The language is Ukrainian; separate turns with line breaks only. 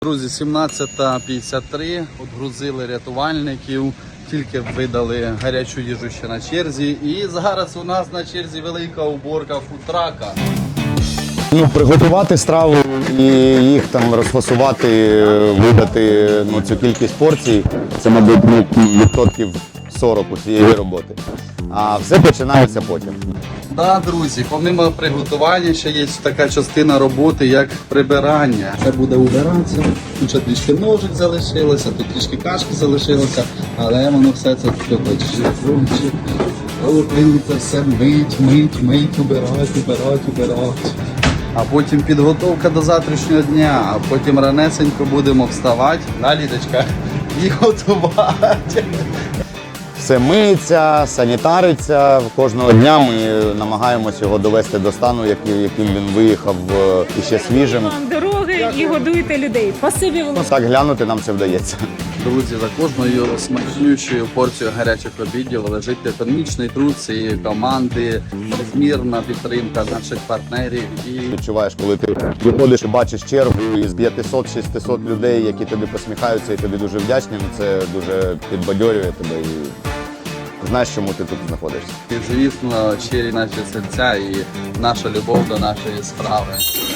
Друзі, 17:53, отгрузили рятувальників, тільки видали гарячу їжу ще на черзі. І зараз у нас на черзі велика уборка фудтрака.
Приготувати страву і їх там розфасувати, видати цю кількість порцій, це, мабуть, відсотків 40 усієї роботи. А все починається потім.
Так, друзі, помимо приготування ще є така частина роботи, як прибирання. Це буде убиратися, тут ще трішки ножик залишилося, тут трішки кашки залишилося, але воно все це це все мить, убирать. А потім підготовка до завтрашнього дня, а потім ранесенько будемо вставати, да, Лідочка, і готувати.
Все миється, санітариться. Кожного дня ми намагаємося його довести до стану, яким він виїхав іще свіжим.
Вам дороги і годуєте людей. Спасибі вам.
Так глянути нам це вдається.
Друзі, за кожною смачнючою порцією гарячих обідів лежить економічний труд цієї команди, безмірна підтримка наших партнерів. І
Відчуваєш, коли ти виходиш і бачиш чергу із 500-600 людей, які тобі посміхаються і тобі дуже вдячні, це дуже підбадьорює тебе і знаєш, чому ти тут знаходишся.
звісно, щирі наші серця і наша любов до нашої справи.